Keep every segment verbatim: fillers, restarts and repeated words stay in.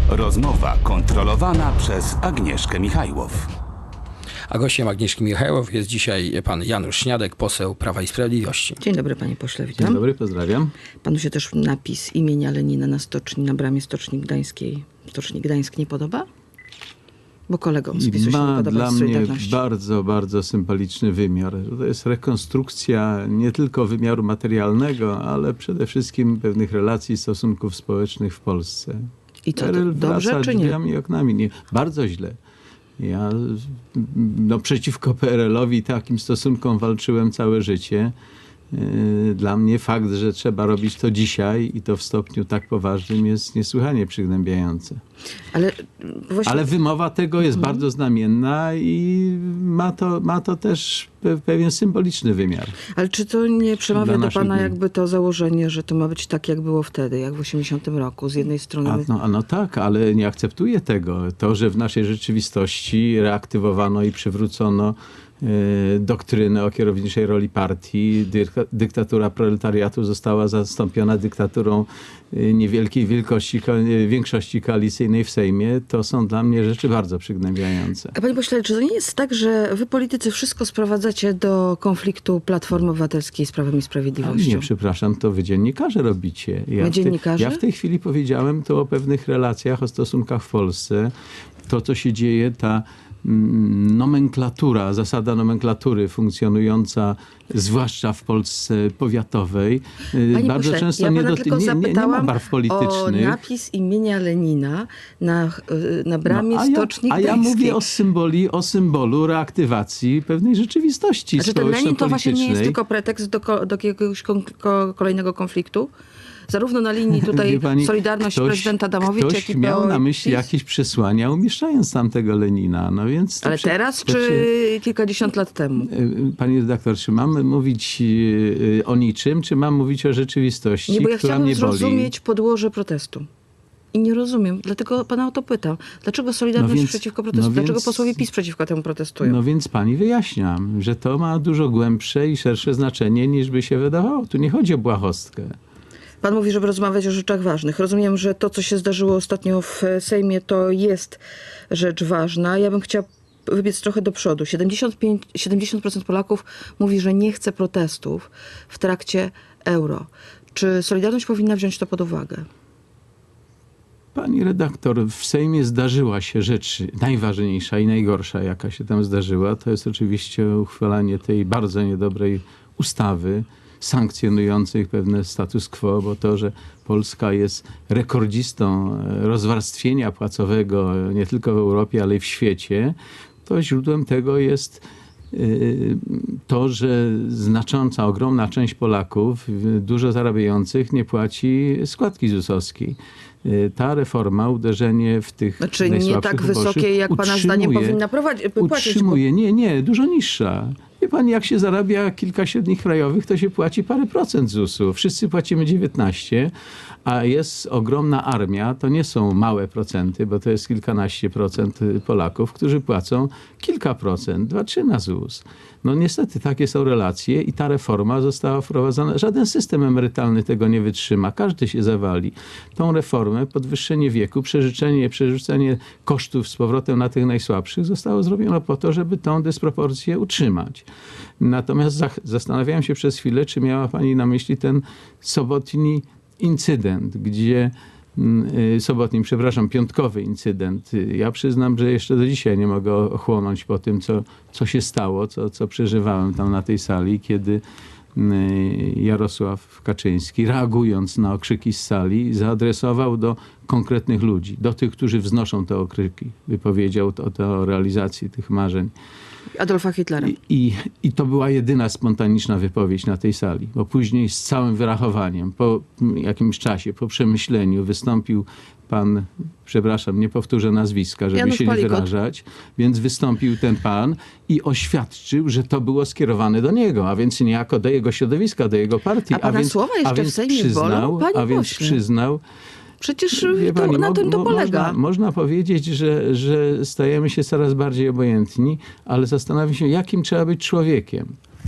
Rozmowa kontrolowana przez Agnieszkę Michajłow. A gościem Agnieszki Michajłow jest dzisiaj pan Janusz Śniadek, poseł Prawa i Sprawiedliwości. Dzień dobry, panie pośle, witam. Dzień dobry, pozdrawiam. Panu się też napis imienia Lenina na stoczni, na bramie Stoczni Gdańskiej, Stoczni Gdańsk nie podoba? Bo kolegom z PiSu się nie Ma podoba dla z mnie Solidarności. bardzo, bardzo symboliczny wymiar. To jest rekonstrukcja nie tylko wymiaru materialnego, ale przede wszystkim pewnych relacji, stosunków społecznych w Polsce. I co, P R L to dobrze wraca czy nie? drzwiami i oknami. Nie, bardzo źle. Ja no, przeciwko P R L-owi takim stosunkom walczyłem całe życie. Dla mnie fakt, że trzeba robić to dzisiaj i to w stopniu tak poważnym jest niesłychanie przygnębiające. Ale, właśnie... Ale wymowa tego jest Mhm. bardzo znamienna i ma to, ma to też pe- pewien symboliczny wymiar. Ale czy to nie przemawia Dla do naszych pana dni. jakby to założenie, że to ma być tak, jak było wtedy, jak w osiemdziesiątym roku? Z jednej strony... A, no, a no tak, ale nie akceptuję tego. To, że w naszej rzeczywistości reaktywowano i przywrócono e, doktrynę o kierowniczej roli partii, dyk- dyktatura proletariatu została zastąpiona dyktaturą e, niewielkiej wielkości, ko- e, większości koalicyjnej w Sejmie, to są dla mnie rzeczy bardzo przygnębiające. A panie pośle, czy to nie jest tak, że wy politycy wszystko sprowadzacie do konfliktu Platformy Obywatelskiej z Prawem i Ale Sprawiedliwością? nie, przepraszam, to wy dziennikarze robicie. Ja My w te- dziennikarze? Ja w tej chwili powiedziałem to o pewnych relacjach, o stosunkach w Polsce. To, co się dzieje, ta mm, nomenklatura, zasada nomenklatury funkcjonująca, zwłaszcza w Polsce powiatowej, y, Panie bardzo pośle, często ja nie, pana do, tylko nie, nie, nie ma zapytałam barw o politycznych. napis imienia Lenina na, y, na bramie No, a ja, Stoczni a ja Gdańskiej. mówię o symboli, o symbolu reaktywacji pewnej rzeczywistości A czy ten Lenin to właśnie nie jest społeczno-politycznej. tylko pretekst do, ko- do jakiegoś kon- ko- kolejnego konfliktu? Zarówno na linii tutaj Wie pani, Solidarność ktoś- prezydenta Adamowicza, jak Ktoś i miał P O na i myśli PiS. jakieś przesłania, umieszczając tam tego Lenina. No więc to Ale prze- teraz, to czy prze- kilkadziesiąt lat temu? Y, Pani redaktor, czy mamy mówić y, o niczym, czy mam mówić o rzeczywistości, Nie, bo ja która chciałabym mnie boli? zrozumieć podłoże protestu. I nie rozumiem. Dlatego pana o to pytam. Dlaczego Solidarność No więc- przeciwko protestowi? no Dlaczego więc- posłowie PiS przeciwko temu protestują? No więc pani wyjaśniam, że to ma dużo głębsze i szersze znaczenie, niż by się wydawało. Tu nie chodzi o błahostkę. Pan mówi, żeby rozmawiać o rzeczach ważnych. Rozumiem, że to, co się zdarzyło ostatnio w Sejmie, to jest rzecz ważna. Ja bym chciała wybiec trochę do przodu. siedemdziesiąt pięć, siedemdziesiąt procent Polaków mówi, że nie chce protestów w trakcie euro. Czy Solidarność powinna wziąć to pod uwagę? Pani redaktor, w Sejmie zdarzyła się rzecz najważniejsza i najgorsza, jaka się tam zdarzyła. To jest oczywiście uchwalanie tej bardzo niedobrej ustawy sankcjonującej pewne status quo, bo to, że Polska jest rekordzistą rozwarstwienia płacowego nie tylko w Europie, ale i w świecie, to źródłem tego jest y, to, że znacząca, ogromna część Polaków, y, dużo zarabiających, nie płaci składki zusowskiej. Y, Ta reforma, uderzenie w tych Znaczy nie najsłabszych tak uboższych, wysokie, jak pana zdaniem utrzymuje- powinna prowadzić, płacić. Bo... Utrzymuje, nie, nie, dużo niższa. Wie pani, jak się zarabia kilka średnich krajowych, to się płaci parę procent zusu. Wszyscy płacimy dziewiętnaście, a jest ogromna armia, to nie są małe procenty, bo to jest kilkanaście procent Polaków, którzy płacą kilka procent, dwa, trzy na ZUS. No niestety takie są relacje i ta reforma została wprowadzona. Żaden system emerytalny tego nie wytrzyma. Każdy się zawali. Tą reformę, podwyższenie wieku, przerzucenie, przerzucenie kosztów z powrotem na tych najsłabszych zostało zrobione po to, żeby tą dysproporcję utrzymać. Natomiast zach- zastanawiałem się przez chwilę, czy miała pani na myśli ten sobotni incydent, gdzie y, sobotni, przepraszam, piątkowy incydent. Ja przyznam, że jeszcze do dzisiaj nie mogę ochłonąć po tym, co, co się stało, co, co przeżywałem tam na tej sali, kiedy y, Jarosław Kaczyński, reagując na okrzyki z sali, zaadresował do konkretnych ludzi, do tych, którzy wznoszą te okrzyki. Wypowiedział to, to o realizacji tych marzeń. Adolfa Hitlera. I, i, I to była jedyna spontaniczna wypowiedź na tej sali, bo później z całym wyrachowaniem, po jakimś czasie, po przemyśleniu wystąpił pan, przepraszam, nie powtórzę nazwiska, żeby Janusz się nie Palikot. wyrażać, więc wystąpił ten pan i oświadczył, że to było skierowane do niego, a więc niejako do jego środowiska, do jego partii. A pana więc, słowa jeszcze a w więc Sejmie przyznał, bolą? Panie A więc pośle. przyznał, Przecież Wie to, pani, na mo- tym to mo- polega. Można, można powiedzieć, że, że stajemy się coraz bardziej obojętni, ale zastanawiam się, jakim trzeba być człowiekiem,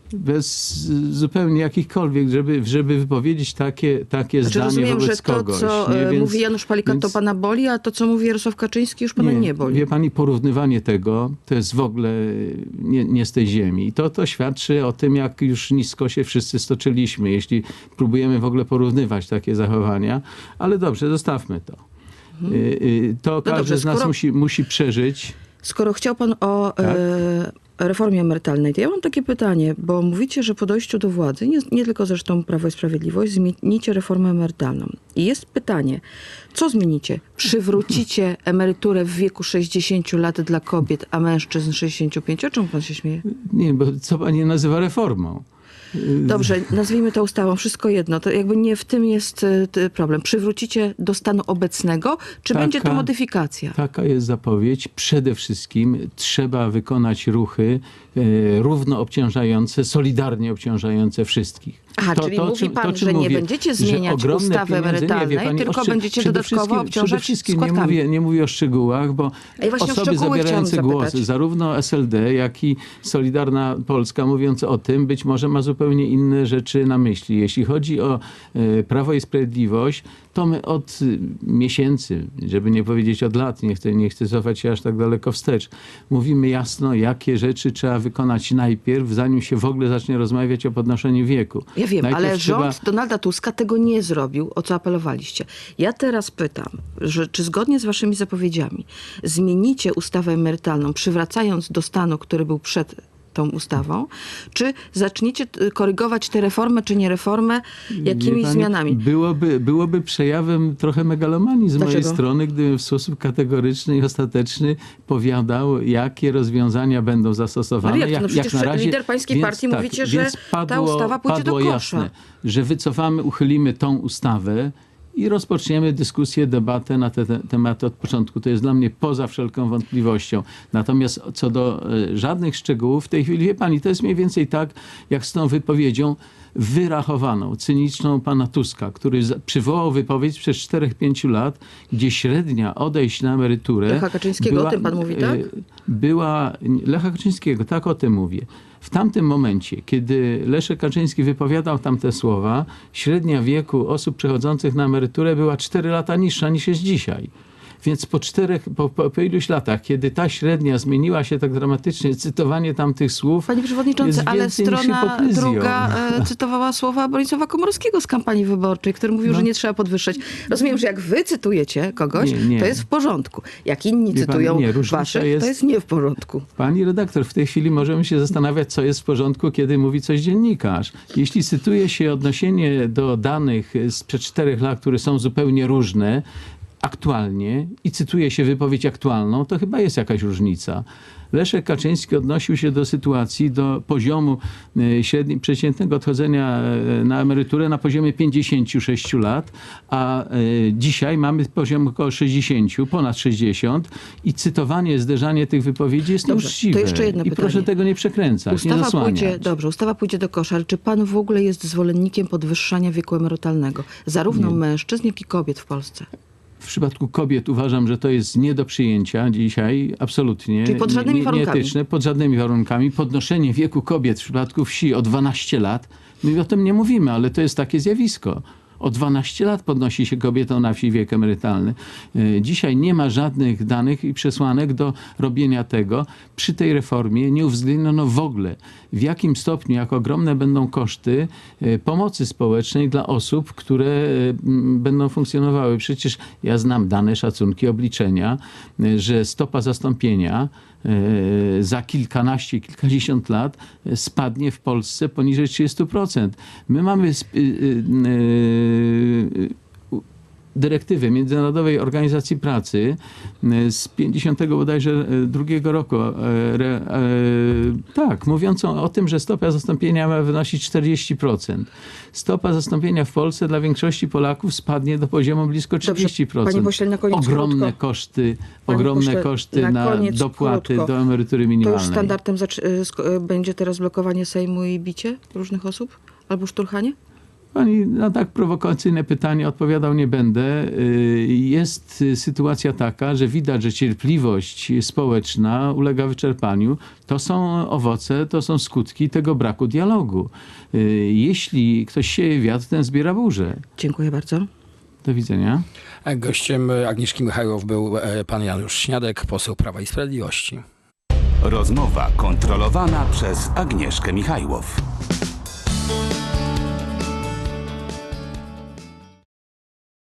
bez zupełnie jakichkolwiek, żeby, żeby wypowiedzieć takie, takie Znaczy, zdanie rozumiem, wobec że to, kogoś. co nie? e, Więc- mówi Janusz Palikot, więc- to pana boli, a to, co mówi Jarosław Kaczyński, już pana nie, boli. Wie pani, porównywanie tego to jest w ogóle nie, nie z tej ziemi. I to, to świadczy o tym, jak już nisko się wszyscy stoczyliśmy, jeśli próbujemy w ogóle porównywać takie zachowania. Ale dobrze, zostawmy to. Y, y, To każdy dobrze, z nas skoro- musi, musi przeżyć. Skoro chciał pan o Tak? e, reformie emerytalnej, to ja mam takie pytanie, bo mówicie, że po dojściu do władzy, nie, nie tylko zresztą Prawo i Sprawiedliwość, zmienicie reformę emerytalną. I jest pytanie, co zmienicie? Przywrócicie emeryturę w wieku sześćdziesięciu lat dla kobiet, a mężczyzn sześćdziesięciu pięciu? O czym pan się śmieje? Nie, bo co pani nazywa reformą? Dobrze, nazwijmy to ustawą, wszystko jedno. To jakby nie w tym jest e, t- problem. Przywrócicie do stanu obecnego, czy Taka- będzie to modyfikacja? Taka jest zapowiedź. Przede wszystkim trzeba wykonać ruchy e, równo obciążające, solidarnie obciążające wszystkich. Aha, czyli mówi pan, że nie będziecie zmieniać ogromne ustawy pieniądze- emerytalnej, nie, wie pani, tylko oszczę- będziecie przede dodatkowo wszystkim- obciążać Przede wszystkim nie składkami. mówię, nie mówię o szczegółach, bo A ja właśnie o osoby szczegóły zabierające chciałam głos, zapytać. zarówno S L D, jak i Solidarna Polska, mówiąc o tym, być może ma zupełnie inne rzeczy na myśli. Jeśli chodzi o e, Prawo i Sprawiedliwość, to my od y, miesięcy, żeby nie powiedzieć od lat, nie chcę, nie chcę cofać się aż tak daleko wstecz, mówimy jasno, jakie rzeczy trzeba wykonać najpierw, zanim się w ogóle zacznie rozmawiać o podnoszeniu wieku. Ja wiem, Najpierw ale trzeba- rząd Donalda Tuska tego nie zrobił, o co apelowaliście. Ja teraz pytam, że czy zgodnie z waszymi zapowiedziami zmienicie ustawę emerytalną, przywracając do stanu, który był przed tą ustawą, czy zaczniecie t- korygować tę reformę, czy nie reformę, jakimiś Wie pani, zmianami? Byłoby, byłoby przejawem trochę megalomanii z mojej Dlaczego? strony, gdybym w sposób kategoryczny i ostateczny powiadał, jakie rozwiązania będą zastosowane. Ale jak to? No przecież na razie, lider pańskiej partii mówicie, że więc ta ustawa pójdzie do padło kosza. jasne, że wycofamy, uchylimy tą ustawę i rozpoczniemy dyskusję, debatę na te, te tematy od początku. To jest dla mnie poza wszelką wątpliwością. Natomiast co do e, żadnych szczegółów, w tej chwili, wie pani, to jest mniej więcej tak, jak z tą wypowiedzią wyrachowaną, cyniczną pana Tuska, który za- przywołał wypowiedź sprzed czterech pięciu lat, gdzie średnia odejść na emeryturę... Lecha Kaczyńskiego, o tym pan mówi, tak? e, Była... Lecha Kaczyńskiego, tak o tym mówię. W tamtym momencie, kiedy Leszek Kaczyński wypowiadał tamte słowa, średnia wieku osób przechodzących na emeryturę była cztery lata niższa niż jest dzisiaj. Więc po czterech, po, po, po iluś latach, kiedy ta średnia zmieniła się tak dramatycznie, cytowanie tamtych słów Panie przewodniczący, jest ale więcej niż strona hipokryzją. druga e, cytowała słowa Bronisława Komorowskiego z kampanii wyborczej, który mówił, że nie trzeba podwyższać. Rozumiem, że jak wy cytujecie kogoś, Nie, nie. to jest w porządku. Jak inni Wie pani, cytują nie, różnica waszych, jest- to jest nie w porządku. Pani redaktor, w tej chwili możemy się zastanawiać, co jest w porządku, kiedy mówi coś dziennikarz. Jeśli cytuje się odniesienie do danych sprzed czterech lat, które są zupełnie różne, aktualnie i cytuje się wypowiedź aktualną, to chyba jest jakaś różnica. Leszek Kaczyński odnosił się do sytuacji, do poziomu e, średni, przeciętnego odchodzenia e, na emeryturę na poziomie pięćdziesięciu sześciu lat, a e, dzisiaj mamy poziom około sześćdziesięciu, ponad sześćdziesiąt i cytowanie, zderzanie tych wypowiedzi jest Dobrze, nieuczciwe. to jeszcze jedno I pytanie. proszę tego nie przekręcać, nie Ustawa zasłaniać. pójdzie, dobrze, ustawa pójdzie do kosza, ale czy pan w ogóle jest zwolennikiem podwyższania wieku emerytalnego? Zarówno mężczyzn, jak i kobiet w Polsce. W przypadku kobiet uważam, że to jest nie do przyjęcia dzisiaj, absolutnie. Czyli pod żadnymi nie, warunkami. Nieetyczne, pod żadnymi warunkami. Podnoszenie wieku kobiet w przypadku wsi o dwanaście lat, my o tym nie mówimy, ale to jest takie zjawisko. O dwanaście lat podnosi się kobietom na wsi wiek emerytalny. E, Dzisiaj nie ma żadnych danych i przesłanek do robienia tego. Przy tej reformie nie uwzględniono w ogóle, w jakim stopniu, jak ogromne będą koszty e, pomocy społecznej dla osób, które e, m, będą funkcjonowały. Przecież ja znam dane, szacunki, obliczenia, e, że stopa zastąpienia e, za kilkanaście, kilkadziesiąt lat e, spadnie w Polsce poniżej trzydziestu procent. My mamy sp- y, y, y, y, dyrektywy Międzynarodowej Organizacji Pracy y, z pięćdziesiątego bodajże y, drugiego roku, e, re, e, tak, mówiącą o tym, że stopa zastąpienia ma wynosić czterdzieści procent. Stopa zastąpienia w Polsce dla większości Polaków spadnie do poziomu blisko trzydzieści procent. panie pośle, na koniec Ogromne krótko. koszty, Panie ogromne pośle, koszty na na, koniec dopłaty krótko. do emerytury To minimalnej. już standardem zac- y, sk- y, będzie teraz blokowanie Sejmu i bicie różnych osób? Albo szturchanie? Pani na tak prowokacyjne pytanie odpowiadał nie będę. Y, Jest y, sytuacja taka, że widać, że cierpliwość społeczna ulega wyczerpaniu. To są owoce, to są skutki tego braku dialogu. Y, Jeśli ktoś sieje wiatr, ten zbiera burzę. Dziękuję bardzo. Do widzenia. A gościem Agnieszki Michajłow był e, pan Janusz Śniadek, poseł Prawa i Sprawiedliwości. Rozmowa kontrolowana przez Agnieszkę Michajłow.